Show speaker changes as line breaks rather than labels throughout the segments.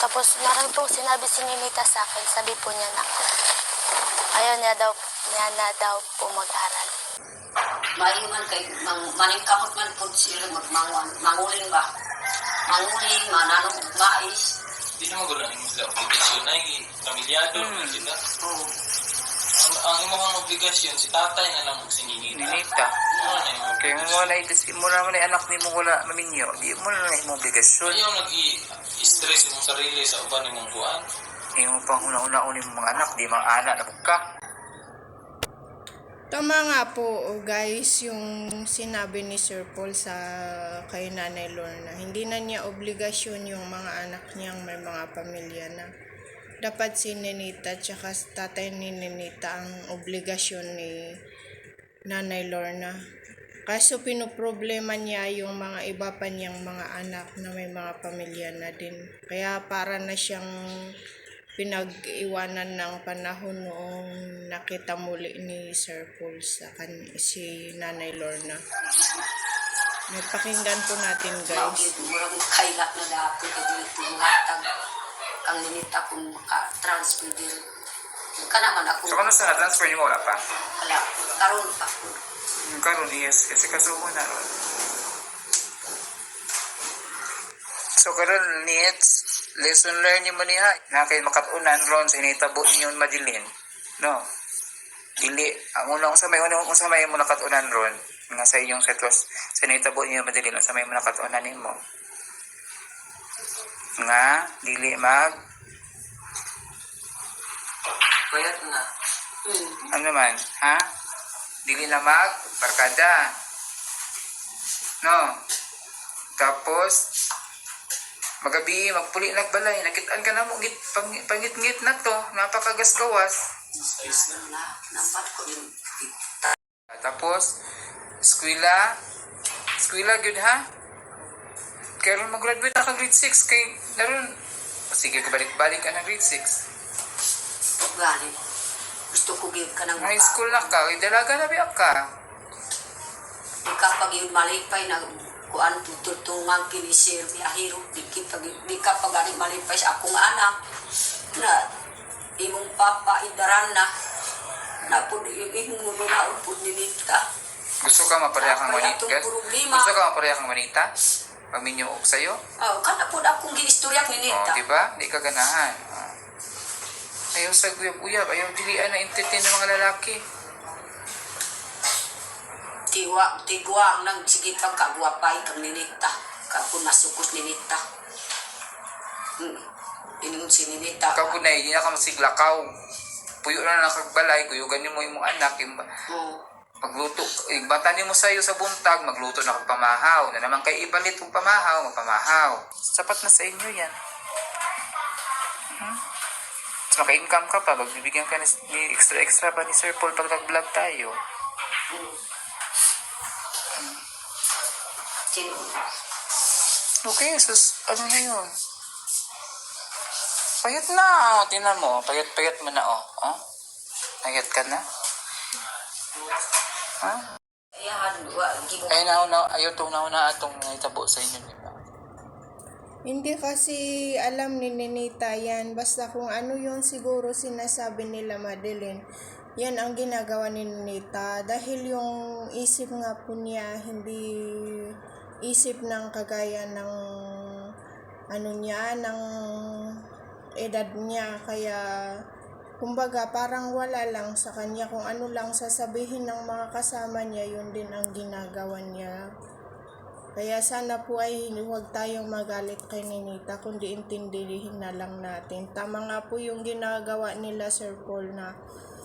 Tapos marami pong sinabi si Ninita sa akin. Sabi po niya na ayaw niya na daw po mag-aral.
Maingan kay maningkamot man po sila manguling ba? Manguling, mananong mais.
Hindi naman gulo ng sila obligasyon na yung pamilyado na sila.
Oo.
Ang imong obligasyon, si tatay na lang si Ninita.
Ninita. Kaya mo na mo naman ay anak ni mo wala maminyo. Di mo na imong obligasyon.
Ayaw nag-i-stress yung sarili sa uban ng buwan.
Imo pang una-una mga anak, di mga anak na buka.
Tama nga po guys yung sinabi ni Sir Paul sa kay Nanay Lorna. Hindi na niya obligasyon yung mga anak niyang may mga pamilya na. Dapat si Ninita at saka tatay ni Ninita ang obligasyon ni Nanay Lorna. Kaso pinoproblema niya yung mga iba pa niyang mga anak na may mga pamilya na din. Kaya para na siyang pinag-iwanan ng panahon noong nakita muli ni Sir Paul sa si Nanay Lorna. May pakinggan po natin guys.
Murang kaila na dati dito hatag ang Ninita kung maka-transfer din. Ka naman ako.
So kano sa na-transfer niyo mo wala pa?
Wala. Karoon pa.
Karon yes, kasi kasuho na ron. So karon needs lesson learned mo niya na kay makatunan ron sa initabo ninyo madilin. No. Dili ang unang sa may mo nakatunan ron nga sa iyong setwas sa initabo ninyo madilin sa may mo nakatunan nimo. Nga dili mag
Kayat na.
ano man, ha? Dili na mag barkada. No. Tapos magabi magpuli nagbalay nakitaan ka na mo git pangit-ngit na to napakagasgawas.
Nampat ko din.
Tapos eskwela good ha. Kaya mag-graduate na ka grade 6 kay naroon sige balik-balik ka na grade 6.
Gani. Gusto ko give ka ng
High school na ka, dalaga na biyak ka.
Kapag yun malipay na kuan tutungan kini sir ahiro di ka pag ani malipay sa akong anak na imong papa idaran na pud imong nunaon pud Ninita.
Gusto ka mapareha kang manita? Gusto ka mapareha kang manita? Paminyo og sayo?
Oh, kana pud akong giistorya ni Ninita.
Oh, diba? Di ka ganahan. Ayaw sa guyab-uyab, ayaw dilian na entertain ng mga lalaki.
Tigwa nang sige pagkagwapay kang Ninita. Kapag masukos Ninita. Iningon si Ninita.
Ikaw po na, hindi na ka masiglakaw. Puyo na nakagbalay, kuyugan mo yung mga anak. Magluto, bata niyo mo sa'yo sa buntag, magluto na kong pamahaw. Na naman kayo ipalit kong pamahaw, magpamahaw. Sapat na sa inyo yan. So, maka-income ka pa, magbibigyan ka ni extra pa ni Sir Paul pag nag-vlog tayo. Okay, sus, ano na yun? Payat na, tinan mo, payat mo na, oh. Payat ka na? Ha? Ay, ayaw itong nauna atong itabo sa inyo, di ba?
Hindi kasi alam ni Ninita yan. Basta kung ano yung siguro sinasabi nila Madeline, yan ang ginagawa ni Ninita. Dahil yung isip nga po niya, hindi isip ng kagaya ng ng edad niya. Kaya kumbaga parang wala lang sa kanya. Kung ano lang sasabihin ng mga kasama niya, yun din ang ginagawa niya. Kaya sana po ay huwag tayong magalit kay Ninita, kundi intindihin na lang natin. Tama nga po yung ginagawa nila Sir Paul na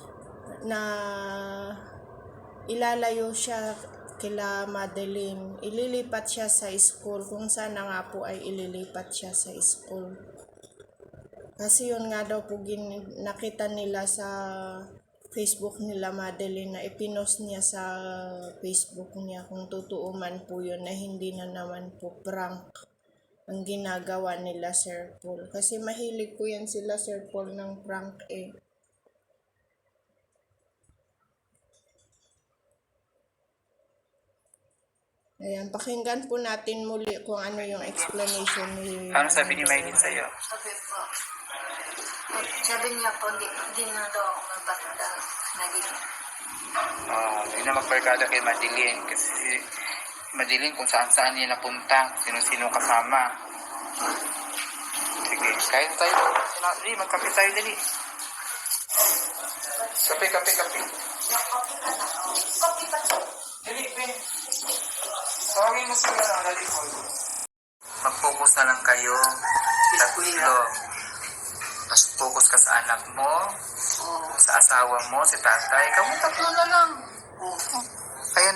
ilalayo siya kila Madeline. Ililipat siya sa school, kung sana nga po ay ililipat siya sa school. Kasi yun nga daw po nakita nila sa Facebook nila Madeline na ipinost niya sa Facebook niya, kung totoo man po yun na hindi na naman po prank ang ginagawa nila Sir Paul. Kasi mahilig po yan sila Sir Paul ng prank eh. Ayan, pakinggan po natin muli kung ano yung explanation ni...
Ano sabi ni Maylin sa'yo?
Sabi niya po, hindi na daw ako magbata naging.
Hindi na magbarkada kay Madeline kasi Madeline kung saan-saan niya napunta, sino-sino kasama. Sige, kain tayo. Dali, magkape tayo, dali. Kape. Dali, Ben. Tawagin mo sila ng dali ko. Mag-focus na lang kayo. Tatlo. Mas focus ka sa anak mo, sa asawa mo, si tatay. Kamu tatlo na lang. Ayaw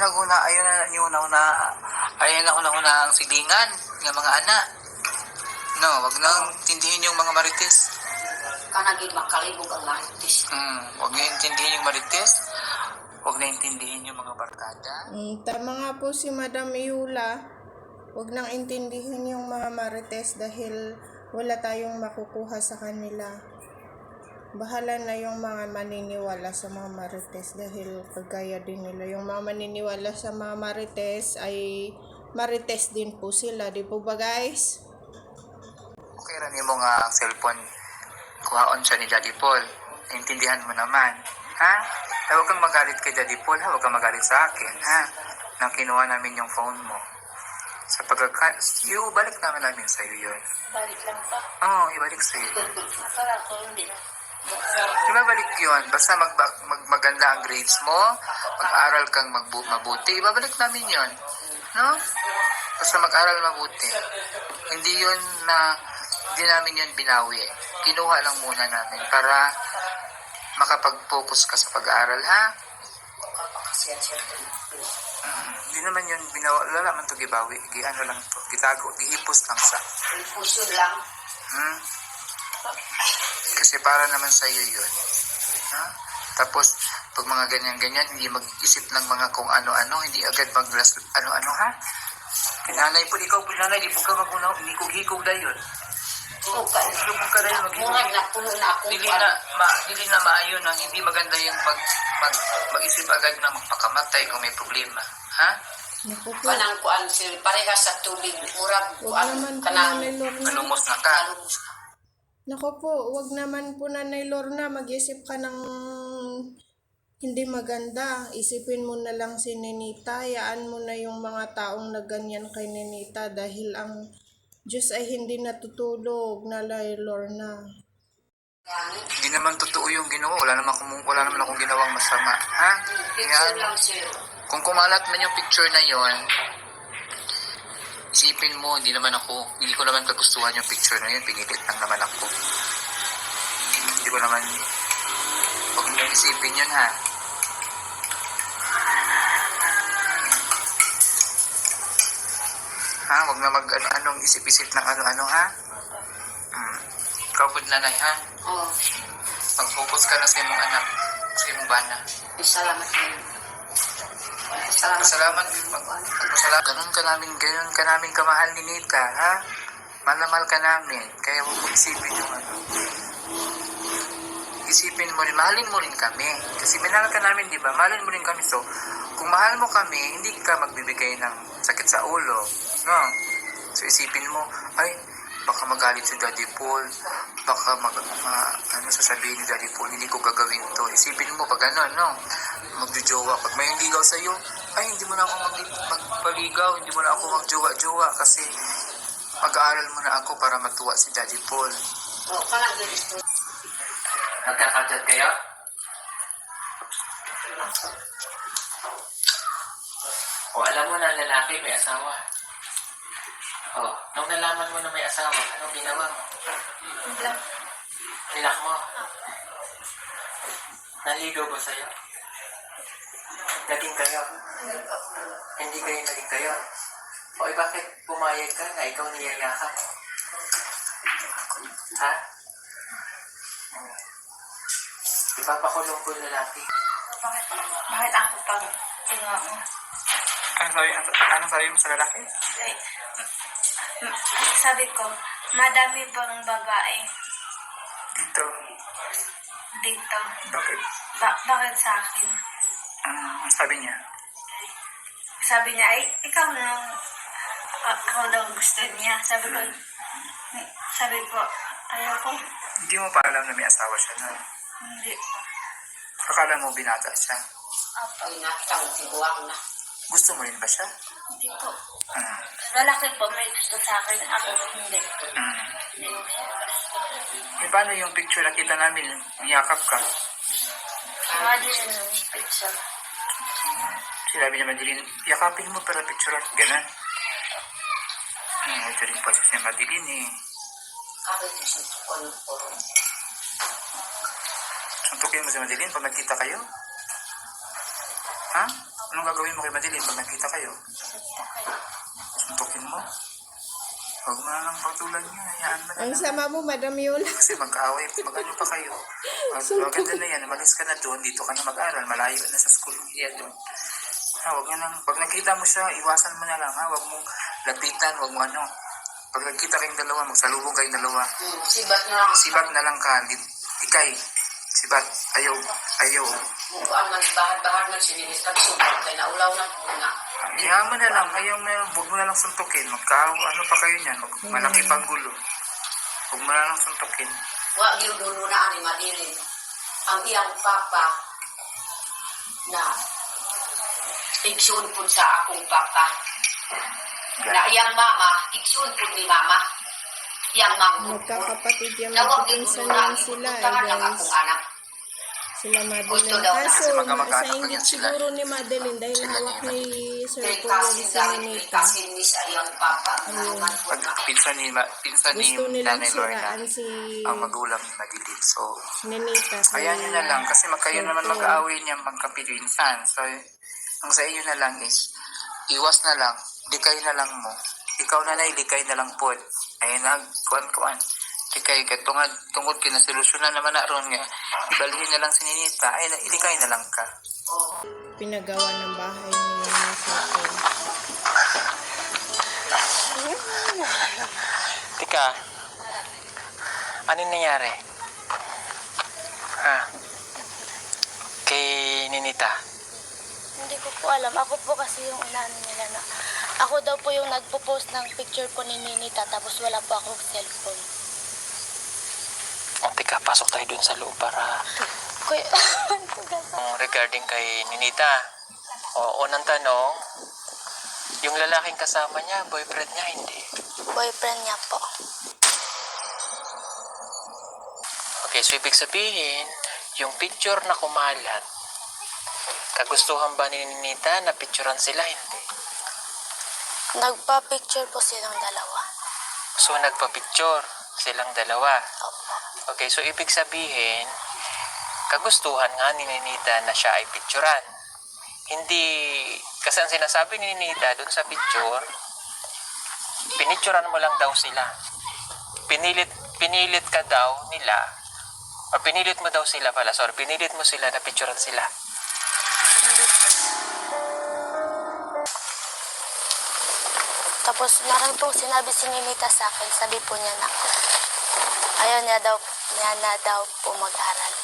na ang silingan ng mga anak. No, wag nang tindihin yung mga marites.
Kanagin makalibog ang marites.
Wag na intindihin yung marites. Wag na intindihin yung mga barkada.
Tama nga po si Madam Iula. Huwag nang intindihin yung mga marites dahil wala tayong makukuha sa kanila. Bahala na yung mga maniniwala sa mga marites dahil kagaya din nila. Yung mga maniniwala sa mga marites ay marites din po sila. Di po ba guys?
Okay, rani mo nga ang cellphone. Kuhaon siya ni Daddy Paul. Naintindihan mo naman. Ha? Huwag kang magalit kay Daddy Paul, ha? Huwag kang magalit sa akin, ha? Nang kinuha namin yung phone mo. Sa ibalik namin sa'yo yun.
Balik lang pa.
Oo, ibalik sa'yo.
Para ko hindi.
Ibabalik yun. Basta maganda ang grades mo, mag-aral kang mabuti, ibabalik namin yun. No? Basta mag-aral mabuti. Hindi yun hindi namin yun binawi. Kinuha lang muna namin para makapag-focus ka sa pag-aaral, ha? Hindi naman yun binawa. Wala naman ito gibawi. Ano lang ito. Gitago. Gihipos lang sa.
Puso lang.
Kasi para naman sa iyo yun. Ha? Tapos, pag mga ganyan-ganyan, hindi mag-isip ng mga kung ano-ano, hindi agad ano-ano, ha? Nanay po, ikaw po, nanay, di po ka magunaw, hindi ko hikog na yun.
Okay.
Lubog ka na yun,
Mungag na puno na ako.
Dili na maayon ang hindi maganda yung mag-isip agad na magpakamatay kung may problema. Ha?
Naku po.
Kanang kuan sir, parehas sa tubig. Murag
Huwag
kuan
naman po
kanang
Nanay Lorna.
Malumos na ka.
kalumos ka.
Naku po, huwag naman po Nanay Lorna. Mag-isip ka ng hindi maganda. Isipin mo na lang si Ninita. Hayaan mo na yung mga taong na ganyan kay Ninita dahil ang Diyos ay hindi natutulog, Nanay Lorna.
Hindi naman totoo yung ginawa. Wala naman akong ginawang masama. Ha?
Picture
Yan.
lang sir.
Kung kumalat man yung picture na yon, isipin mo, hindi ko naman kagustuhan yung picture na yun. Pinilit lang naman ako. Hindi ko naman, huwag mo isipin yun, ha? Ha? Huwag na anong isip-isip ng ano-ano, ha? Ikaw po, nanay, ha?
Oh,
Mag-focus ka na sa imong anak, sa imong bana.
salamat kayo.
Salamat. Ganun ka namin kamahal ni Nita, ha? Mahal ka namin. Kaya huwag mo isipin yung ano. Isipin mo rin, mahalin mo rin kami. Kasi minahal ka namin, di ba? Mahalin mo rin kami. So, kung mahal mo kami, hindi ka magbibigay ng sakit sa ulo. No? So, isipin mo, ay, baka magalit si Daddy Paul. Baka sasabihin ni Daddy Paul, hindi ko gagawin to. Isipin mo pag ano, no? Magjojowa. Pag may ligaw sa'yo, ay, hindi mo na ako magpaligaw. Hindi mo na ako magjowa-jowa kasi mag-aaral mo na ako para matuwa si Daddy Paul.
Oh, kanang ganito.
Nagkakadad kayo? O alam mo na ang lalaki may asawa. O, nung nalaman mo na may asawa, anong ginawa mo? Nilak mo? Naligaw ba sa'yo? Naging kayo? Hindi kayo naging kayo? O bakit pumayag ka na ikaw niyayakap? Ha? Ipapakulong ko lalaki.
Bakit ako pang tingnan mo?
Ano sabi mo sa lalaki?
Sabi ko, madami bang babae
Dito.
dito?
Bakit?
Bakit sa akin?
Sabi niya?
sabi niya, ay, ikaw na, ako daw gusto niya. Sabi ko, ayoko.
Hindi mo pa alam na may asawa siya na.
Hindi.
Akala mo binata siya.
Ay, natang tiguang na.
Gusto mo rin ba siya?
Hindi po.
Hmm.
Lalaki po, may gusto sa akin. Ako, hindi.
Hmm.
Hindi ko siya gusto.
Eh, paano yung picture na kita namin? Niyakap ka.
Mga din yung picture.
Sinabi naman din, yakapin mo para picture at ganun. Ito rin po si Madeline eh.
Ako ito siya ko.
Suntukin mo si Madeline pag nagkita kayo? Ha? Anong gagawin mo kay Madeline pag nagkita kayo? Suntukin mo? Huwag mo na lang patulan niya. Hayaan mo na
Ang
lang.
sama mo, Madam Yola.
Kasi mag-aaway, mag-ano pa kayo. Maganda na yan, umalis ka na doon, dito ka na mag-aral, malayo na sa school niya doon. Ha, wag na lang, pag nakita mo siya, iwasan mo na lang, ha, wag mong lapitan, wag mo ano. Pag nagkita kayong dalawa, magsalubong kayong dalawa,
Sibat na lang.
sibat na lang ka, ikay, sibat, ayaw, ayaw.
Mukaan man, bahad-bahad man sinilis. Nagsubat kay naulaw na po na.
Hayaan mo na lang, ayaw mo na lang, wag mo na lang suntukin, ano pa kayo niyan, malaki pang gulo. Wag mo na lang suntukin.
Wa giudulo na ani Madeline. Ang iyang papa na igsoon po sa akong papa. Na iyang mama, igsoon po ni mama. Iyang manggo.
Magkakapatid yung
Nawag
magpipinsan
giudulo na
lang sila,
ipuntahan ng
guys.
akong anak.
Sila
Gusto
Madeline.
daw na.
Kaso,
Kasi magkamag-anak
sa
lang
inggit
yan sila.
siguro ni Madeline dahil
Sila
hawak
ni
ni Sir
Kay
Paul
kasi
si
dahil
Ninita.
kasi ni sa iyang papa. Naman po
Pag
na.
pinsan ni
Gusto nilang
Nanay Lorna,
siraan si
ang magulang ni Madeline. So,
Ninita.
ayan nyo na lang. Kasi kayo
Sir
naman
Paul.
mag-aaway niya magkapinsan. So, ang sa inyo na lang is, iwas na lang. Likay na lang mo. Ikaw na likay na lang po. Ayun na, kuan. Likay ka. Tungod kinasolusyonan naman na ron nga. Ibalhin na lang si Ninita. Ay, ilikay na lang ka.
Pinagawa ng bahay ni Sir Paul.
Tika, ano nangyari? Ha? Kay Ninita?
Hindi ko po alam. Ako po kasi yung inaano nila na ako daw po yung nagpo-post ng picture po ni Ninita tapos wala po akong cellphone.
O, tika, pasok tayo dun sa loob para
Kuya,
regarding kay Ninita. O, unang tanong, yung lalaking kasama niya, boyfriend niya, hindi.
boyfriend niya po.
Okay, so ibig sabihin, yung picture na kumalat, kagustuhan ba ni Ninita na picturean sila, hindi?
Nagpa-picture po silang dalawa.
So, nagpa-picture silang dalawa.
Opo.
Okay, so ibig sabihin, kagustuhan nga ni Ninita na siya ay picturean. Hindi, kasi ang sinasabi ni Ninita dun sa picture, pinicturean mo lang daw sila. Pinilit ka daw nila, o pinilit mo daw sila pala, sorry, pinilit mo sila na picturean sila.
Hindi po. Tapos meron pong sinabi si Ninita sa akin, sabi po niya na ayaw niya na daw po mag-aral.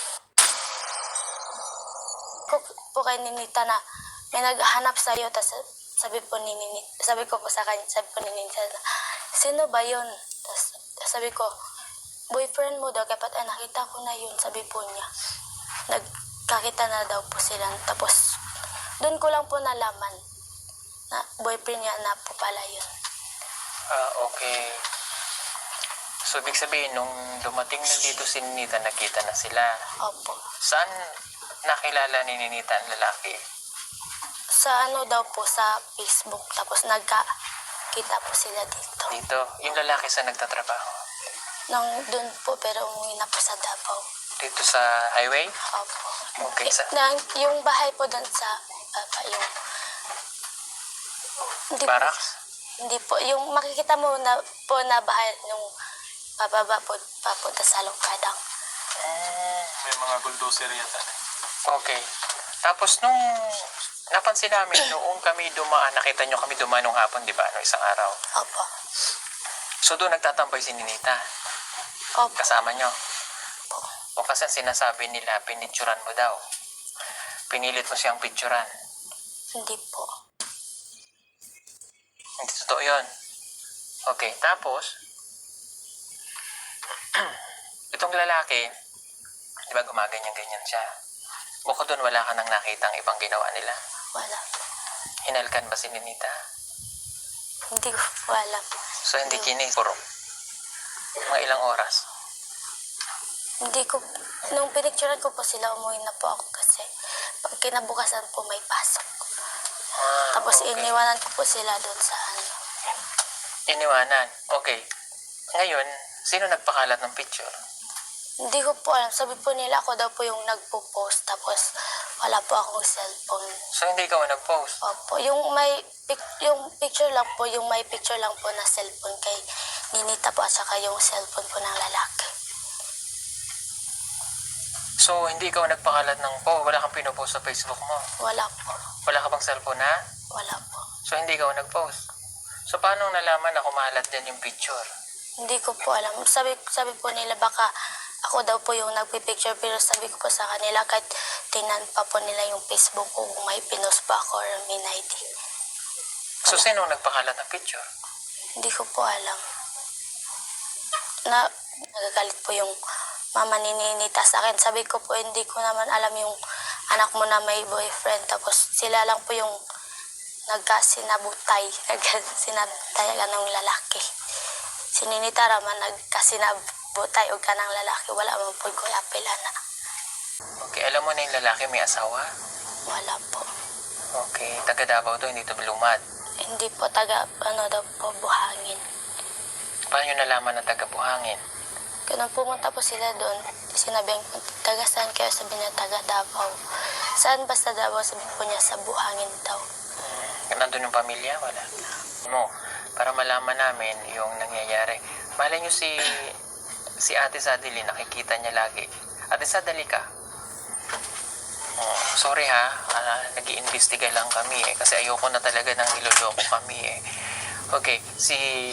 Po kay Ninita na may naghahanap sa iyo, tapos sabi ko po sa kanya, sabi ko ni Ninita na, sino ba yun? Tapos sabi ko, boyfriend mo daw, kapag nakita ko na yun, sabi po niya. Nagkakita na daw po sila, tapos doon ko lang po nalaman na boyfriend niya na po pala yun.
Okay. So, ibig sabihin, nung dumating na dito si Ninita, nakita na sila.
Opo.
Saan nakilala ni Ninita ang lalaki?
Sa ano daw po, sa Facebook, tapos nagkakita po sila dito.
Dito, yung lalaki sa nagtatrabaho.
Nang doon po, pero umuwi na po sa Davao.
Dito sa highway?
Opo.
Okay,
Yung bahay po doon sa baba, yung... Hindi po,
barracks?
hindi po. Yung makikita mo na po na bahay nung pababa po, papunta sa Longkadang.
May mga bulldozer yata.
Okay. Tapos nung napansin namin, noong kami dumaan, nakita nyo kami dumaan nung hapon, di ba? No, isang araw.
Opo.
So doon nagtatambay si Ninita.
Opo.
Kasama nyo.
Opo.
O kasi ang sinasabi nila, pinicturan mo daw. Pinilit mo siyang picturan.
Hindi po.
Totoo yun. Okay, tapos, itong lalaki, di ba gumaganyan-ganyan siya? Bukod doon, wala ka nang nakitang ibang ginawa nila.
Wala.
Hinalkan ba si Ninita?
Hindi ko po alam.
So, hindi kinis. Puro. Mga ilang oras.
Hindi ko, nung pinicturean ko po sila, umuwi na po ako kasi pag kinabukasan po may pasok. Tapos
okay.
iniwanan ko po sila doon sa ano.
Iniwanan. Okay. Ngayon, sino nagpakalat ng picture?
Hindi ko po alam. Sabi po nila ako daw po yung nagpo-post tapos wala po akong cellphone.
So, hindi ka nag-post?
Opo. Yung picture lang po, yung may picture lang po na cellphone kay Ninita po at saka yung cellphone po ng lalaki.
So, hindi ka nagpakalat ng wala kang pinopost sa Facebook mo?
Wala po.
Wala ka bang cellphone na?
Wala po.
So, hindi ka nag-post? So, paano nalaman na kumalat din yung picture?
Hindi ko po alam. Sabi po nila baka ako daw po yung nagpipicture pero sabi ko po sa kanila kahit tingnan pa po nila yung Facebook ko kung may pinost pa ako or may ID.
So, sino nagpakalat ng picture?
Hindi ko po alam. Nagagalit po yung mama ni Ninita sa akin. Sabi ko po hindi ko naman alam yung anak mo na may boyfriend. Tapos sila lang po yung nagkasinabutay. Nagkasinabutay ka ng lalaki. Si Ninita raman nagkasinabutay o ka ng lalaki. Wala man po ko apela na.
Okay, alam mo na yung lalaki may asawa?
Wala po.
Okay, taga Davao to, hindi to lumad.
Hindi po daw po buhangin.
Paano nyo nalaman na taga Buhangin?
Kaya nung pumunta po sila doon, sinabihan ko, taga saan kayo? Sabi niya, taga Davao. Saan ba sa Davao? Sabi po niya, sa buhangin daw.
Nandun yung pamilya? Wala. Mo, para malaman namin yung nangyayari. Malay nyo si Ate Sadili, nakikita niya lagi. Ate Sadili ka? Oh, sorry ha, nag-iimbestiga lang kami kasi ayoko na talaga nang niloloko kami Okay, si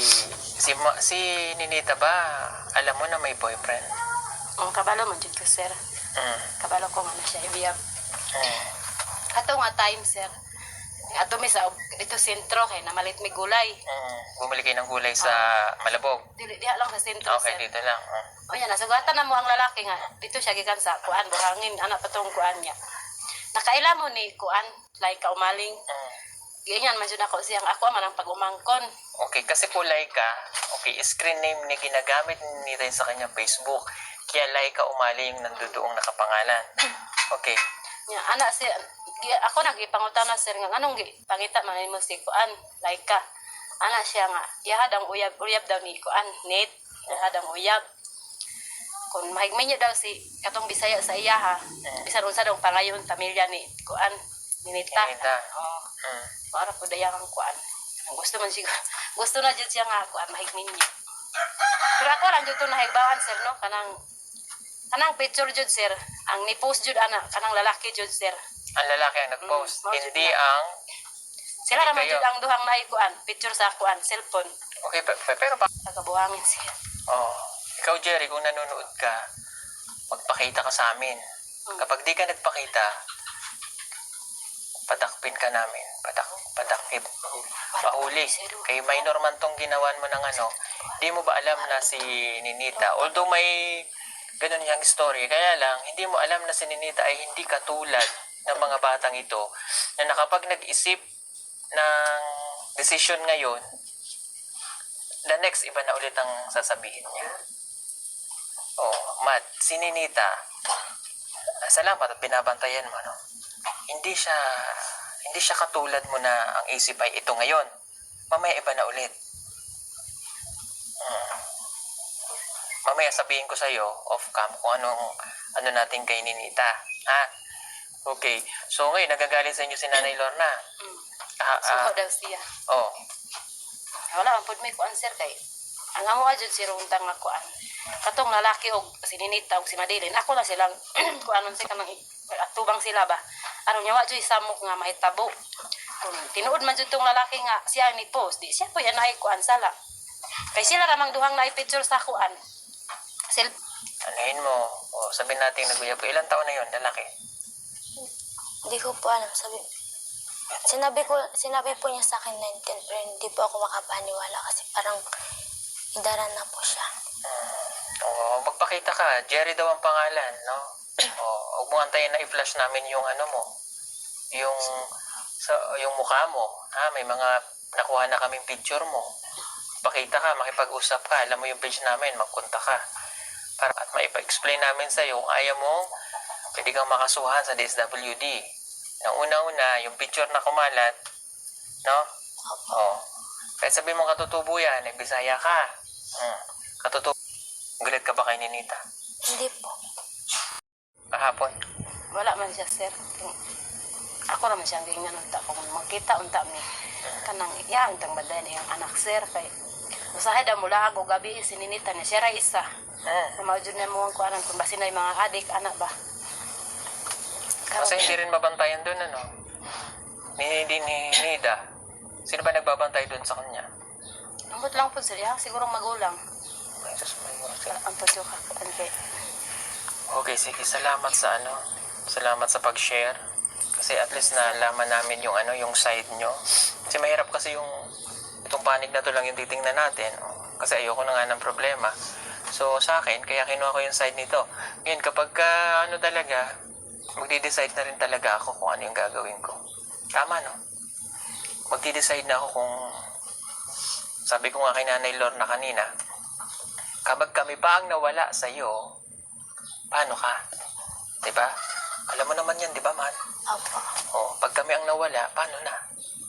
Ninita ba, alam mo na may boyfriend?
Ang kabalo mo dyan ko, sir. Kabalo ko nga na siya ibiyab. Ato nga time, sir. Ato mi sa ito sentro kay namalit mi gulay.
Bumili kayo ng gulay sa Malabog?
Diha lang sa sentro,
Okay,
sir.
dito lang.
O yan, nasugatan na mo ang lalaki nga. Dito siya gikan sa kuan, buhangin, anak patong kuan niya. Nakaila mo ni kuan, like kaumaling. Ganyan man jud ako siyang ako man ang pag-umangkon.
Okay, kasi po Laika, okay, screen name ni ginagamit ni Ray sa kanyang Facebook. Kaya Laika Umali yung nandoon nakapangalan. Okay.
Nya anak si ako nagipangutan na sir nga anong pangita man mo si kuan, Laika. Ana siya nga yahad ang uyab daw ni kuan, net. Yahad ang uyab. Kung mahigmay niya daw si katong Bisaya sa iya ha. Bisan unsa daw pangayon pamilya ni kuan, Ninita. Para po dayang kuan. Gusto man siguro. Gusto na jud siya nga kuan mahigmin niya. Pero ako lang jud to nahigbaan sir no kanang picture jud sir. Ang ni-post jud ana kanang lalaki jud sir.
Ang lalaki ang nag-post, hindi
na.
ang
Sila
hindi
naman
kayo.
jud ang duhang naikuan picture sa kuan cellphone.
Okay, pero
Tagabuhangin siya.
ikaw Jerry, kung nanonood ka, magpakita ka sa amin. Kapag di ka nagpakita, padakpin ka namin. Padakpin. Pahuli. Kay minor man tong ginawan mo ng di mo ba alam na si Ninita? Although may ganun yung story, kaya lang, hindi mo alam na si Ninita ay hindi katulad ng mga batang ito na nakapag nag-isip ng decision ngayon, the next iba na ulit ang sasabihin niya. Matt, si Ninita, salamat at binabantayan mo, no? Hindi siya katulad mo na ang isip ay ito ngayon. Mamaya iba na ulit. Mamaya sabihin ko sa'yo, off-cam, kung ano natin kay Ninita. Ha? Okay. So ngayon, nagagalit sa inyo si Nanay Lorna.
Suko daw siya. Wala ang pud may kuan sir kay. Ang amo jud si runtang nga kuan. Katong lalaki og si Ninita og si Madeline, ako na silang kuanon si kanang atubang sila ba. Aron nya wa jud samok nga mahitabo. Kung tinuod man jud tong lalaki nga siya ni post, di siya po yan ay kuan sala. Kay sila ramang duhang na picture sa kuan.
Anahin mo, sabihin natin naguyab. Ilang taon na yon lalaki?
Hindi ko po alam. Sinabi po niya sa akin 19 pero hindi po ako makapaniwala kasi parang idaran na po siya.
Oo, magpakita ka. Jerry daw ang pangalan, no? Oo, huwag mo antayin na i-flash namin yung ano mo. Yung mukha mo. Ha? May mga nakuha na kaming picture mo. Pakita ka, makipag-usap ka. Alam mo yung page namin, magpunta ka. Para at maipa-explain namin sa'yo kung ayaw mo, pwede kang makasuhan sa DSWD. Ang una-una, yung picture na kumalat, no? Oo. Kahit sabi mo katutubo yan, Bisaya ka. Katutubo. Galit ka ba kay Ninita?
Hindi po.
Kahapon?
Wala man siya, sir. Ako naman siyang gingan unta kung makita unta mi. Kanang iya untang baday na yung anak, sir. Kay usahay daw mula ako gabi sininita niya. Siya ra isa. Namawjud na mo ang kuanan kung basin na yung mga adik, anak ba.
Kasi hindi rin mabantayan doon, ano? Ni Nida. Sino ba nagbabantay doon sa kanya?
Ambot lang po, sir. Ya, siguro magulang.
Ay, Diyos, may mga
Ang pasyo ka. Okay.
Okay, sige. Salamat sa Salamat sa pag-share. Kasi at least nalaman namin yung yung side nyo. Kasi mahirap kasi itong panig na to lang yung titingnan natin. Kasi ayoko na nga ng problema. So sa akin, kaya kinuha ko yung side nito. Ngayon, kapag talaga, magdi-decide na rin talaga ako kung ano yung gagawin ko. Tama, no? Magdi-decide na ako kung, sabi ko nga kay Nanay Lorna kanina, kapag kami pa ang nawala sa'yo, paano ka? Diba? Alam mo naman yan, diba, man?
Opo.
Pag kami ang nawala, paano na?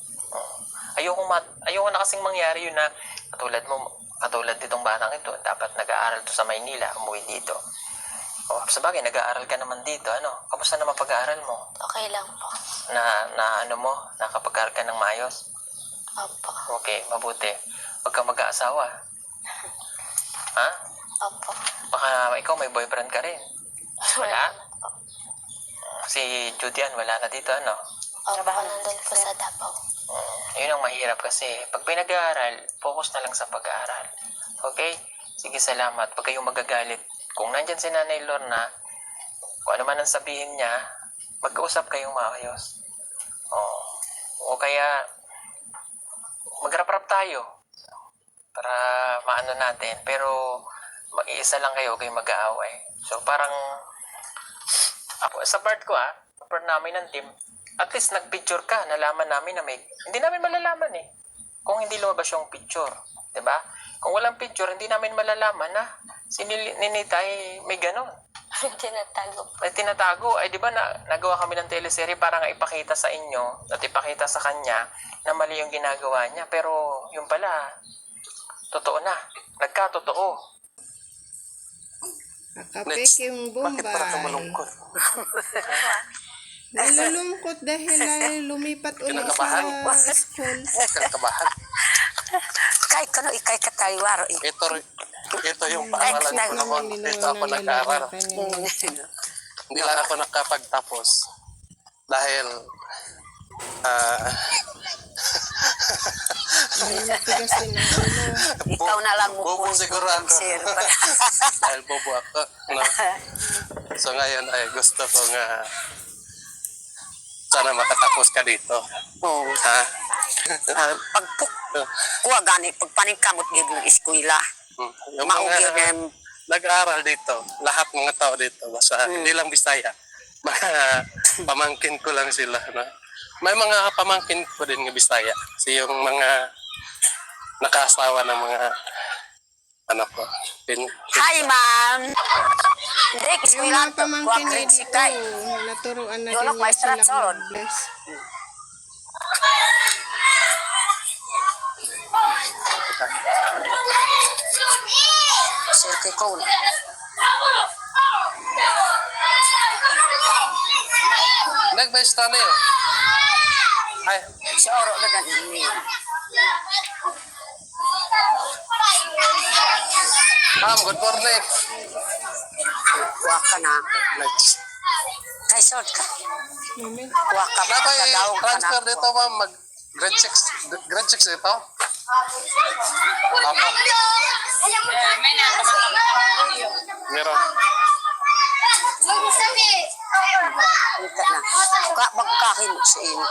Ayoko na kasing mangyari yun na katulad nitong batang ito, dapat nag-aaral to sa Maynila, umuwi dito. Sabagay, nag-aaral ka naman dito, Kamusta naman pag-aaral mo?
Okay lang po.
Nakapag-aaral ka ng maayos?
Opo.
Okay, mabuti. Huwag kang mag-aasawa. Ha?
Opo.
Baka ikaw may boyfriend ka rin. Wala?
Po.
Si Judian, wala na dito,
Opo, nandun po sa Davao.
Yun ang mahirap kasi. Pag pinag-aaral, focus na lang sa pag-aaral. Okay? Sige, salamat. Pag kayong magagalit, kung nandyan si Nanay Lorna, kung ano man ang sabihin niya, magkausap kayong maayos. O kaya, magrap-rap tayo para maano natin. Pero, mag-iisa lang kayo, kayong mag-aaway. So, parang, ako, sa part ko part namin ng team, at least nag-picture ka, nalaman namin na hindi namin malalaman kung hindi lumabas yung picture. Diba? Kung walang picture, hindi namin malalaman na si Ninita ay may ganon.
Tinatago po.
Ay tinatago. Ay diba nagawa kami ng teleserye para nga ipakita sa inyo at ipakita sa kanya na mali yung ginagawa niya. Pero yung pala, totoo na. Nagkatotoo.
Nakapek yung Bombay.
Bakit para ka malungkot?
Nalulungkot dahil lumipat ulit
Kinakabahan.
sa school.
Kinakabahan.
Kahit kano ikay kataywaro.
Ito yung paaralan ko naman. Dito ako nag-aaral. Hindi lang ako nakapagtapos. Dahil
May matigas din ang ulo.
Ikaw na lang
bobo siguro ako.
sir.
Dahil bobo ako. No? So ngayon ay gusto ko nga sana makatapos ka dito.
Oo.
Ha?
Kuha gani, pagpaningkamot gid yung eskwela.
Yung
Maugyo
mga nag-aaral dito, lahat mga tao dito, basta hindi lang Bisaya. Mga pamangkin ko lang sila. No? May mga pamangkin ko din ng Bisaya. Kasi yung mga nakasawa ng mga anak ko.
Hi, ma'am. Hindi,
Yung
eskwela
mga pamangkin
kuha
na
grade
dito,
6.
naturuan na
Yun,
din niya
maestra
silang
Solon.
mag-bless.
Sir kay Cole.
Nag-besta na yun. Ay,
Si Oro na ganun niya.
ma'am, good morning.
Kuha ka na.
Next.
Kay Sort ka.
Mami,
Kuha ka pa.
Napay
Kadawag ka na.
transfer dito, ma'am. Grade 6 dito. Apo. Meron.
Ika na. Magkakin mo sa inyo.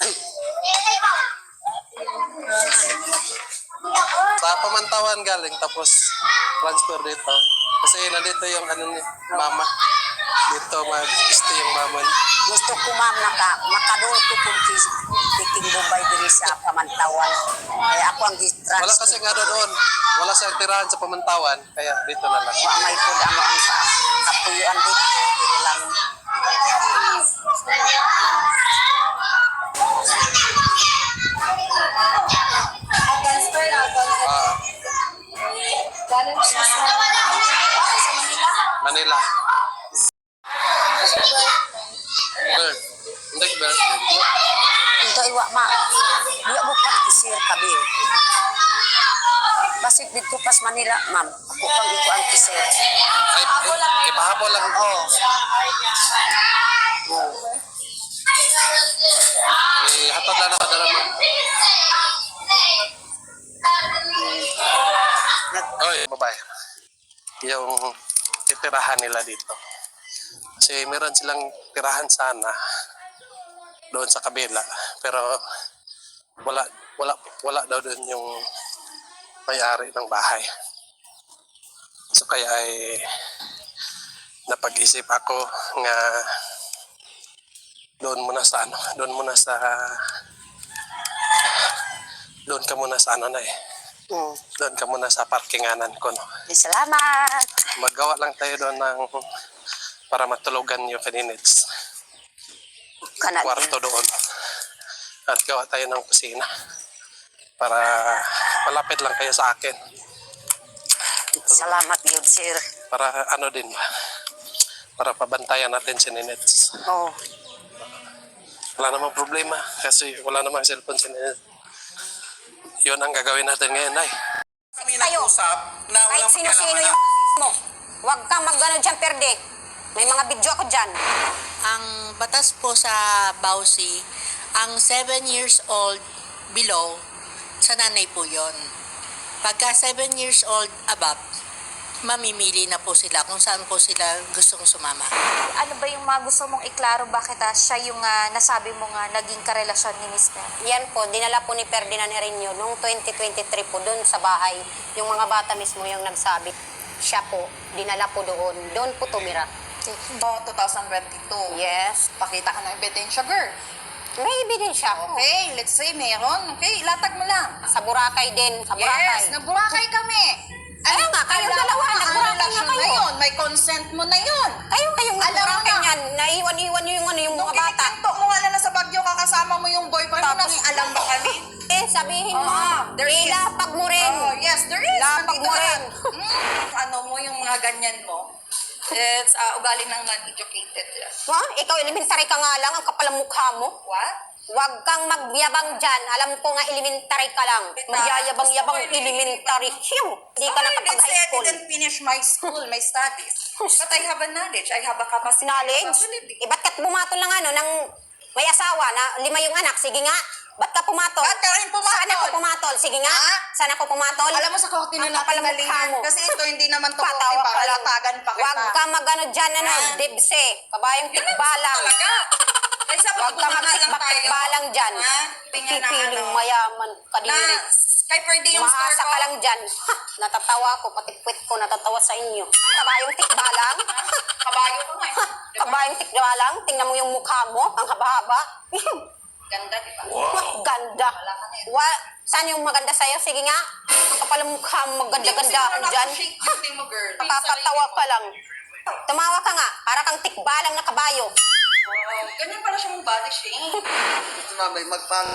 Sa Pamantawan galing, tapos transfer dito. Kasi nandito yung ano ni mama. Dito mag-stay yung mama.
Gusto ko ma'am makadol ko kung tiking Bombay diri sa Pamantawan. Kaya ako ang
Wala
transfer.
kasi nga doon. Wala sa tirahan sa Pamantawan. Kaya dito na lang.
Wa may pud ano ang kapuyuan dito. Dili lang.
Manila. Bird. Hindi, bird.
Ito iwa ma. Diya mo pagkisir kabi. Basig dito pas Manila, ma'am. Ako pang iko ang kisir.
Ay, ipahapon lang.
Oh.
Hatod lang nakadala mo. Oy, babae. Yung titirahan nila dito. Kasi meron silang tirahan sana doon sa kabila. Pero wala daw doon yung may-ari ng bahay. So kaya ay napag-isip ako nga doon ka muna sa ano na eh. Doon ka muna sa parkinganan ko, no.
Salamat.
Magawa lang tayo doon para matulugan yung kaninits.
Kana
Kwarto doon. At gawa tayo ng kusina. Para malapit lang kayo sa akin.
Salamat yun, sir.
Para ano din ba? Para pabantayan natin si Ninets.
Oh.
Wala namang problema kasi wala namang cellphone si Ninets. Yun ang gagawin natin ngayon, ay.
Kami nag-usap na
Kahit
walang
sino-sino
pakialaman
yung mo. Huwag kang mag-ano dyan, perde. May mga video ako dyan.
Ang batas po sa Bausi, ang 7 years old below, sa nanay po yon. Pagka 7 years old above, mamimili na po sila kung saan po sila gustong sumama.
Ano ba yung mga gusto mong iklaro? Bakit siya yung nasabi mo nga naging karelasyon ni Mr.?
Yan po, dinala po ni Ferdinand Hereño noong 2023 po doon sa bahay. Yung mga bata mismo yung nagsabi. Siya po, dinala po doon. Doon po tumira.
So, 2022.
Yes.
Pakita ka ng ebidensya, girl.
May ebidensya po.
Okay, let's say meron. Okay, latag mo lang.
Sa Boracay din. Sa Boracay.
Yes, nagburakay kami.
Kaya nga, kayong dalawa, nagburakay na kayo.
Yun, may consent mo na yun.
Kayong
Alam mo
nagburakay
na.
niyan. Naiwan-iwan nyo yung
Nung
mga bata.
kinikanto mo nga na sa Baguio, kakasama mo yung boyfriend mo,
Tapos,
nang alam ba kami?
Sabihin mo,
there is.
ilapag mo rin.
Oh, yes, there is.
Lapag
Nandito
mo
na.
rin.
Ano mo yung mga ganyan mo? It's ugali ng non-educated.
Ha? Ikaw, elementary ka nga lang, ang kapal ang mukha mo.
What?
Huwag kang magyabang dyan. Alam ko nga, elementary ka lang. Magyayabang-yabang elementary. Hiyo! Hindi ka nakapag-high
I
school.
didn't finish my school, my studies. But I have a knowledge. I have a capacity.
Knowledge? Eh, ba't ka pumatol ng ng may asawa na 5 yung anak? Sige nga. Ba't ka pumatol?
Ba't ka rin pumatol?
Saan ako pumatol? Sige nga.
Ha?
Saan ako pumatol?
Alam mo sa korte na
Ang kapal
natin
ang mukha
galingan.
mo.
Kasi ito hindi naman to korte
Patawa
para
ka lang.
latagan pa kita.
Huwag ka mag-ano dyan, dibse. Kabayang tikbalang.
Talaga. Kaysa
Huwag ka magtikbalang dyan. Pipiling mayaman kadiri.
Kay Ferdy yung store
Maasa
ko.
ka lang dyan. Ha, natatawa ko, pati puwit ko natatawa sa inyo. Kabayong tikbalang.
Kabayo ko nga eh. Diba?
Kabayong tikbalang. Tingnan mo yung mukha mo. Ang haba-haba.
Ganda, di ba?
Ganda. Saan yung maganda sa'yo? Sige nga. Ang kapal ang mukha mo, maganda-gandaan dyan.
Shake yung thing mo, girl.
Nakakatawa ka lang. Tumawa ka nga. Para kang tikbalang na kabayo.
Ganyan pala siya mong body shape.
Ito na, may magpang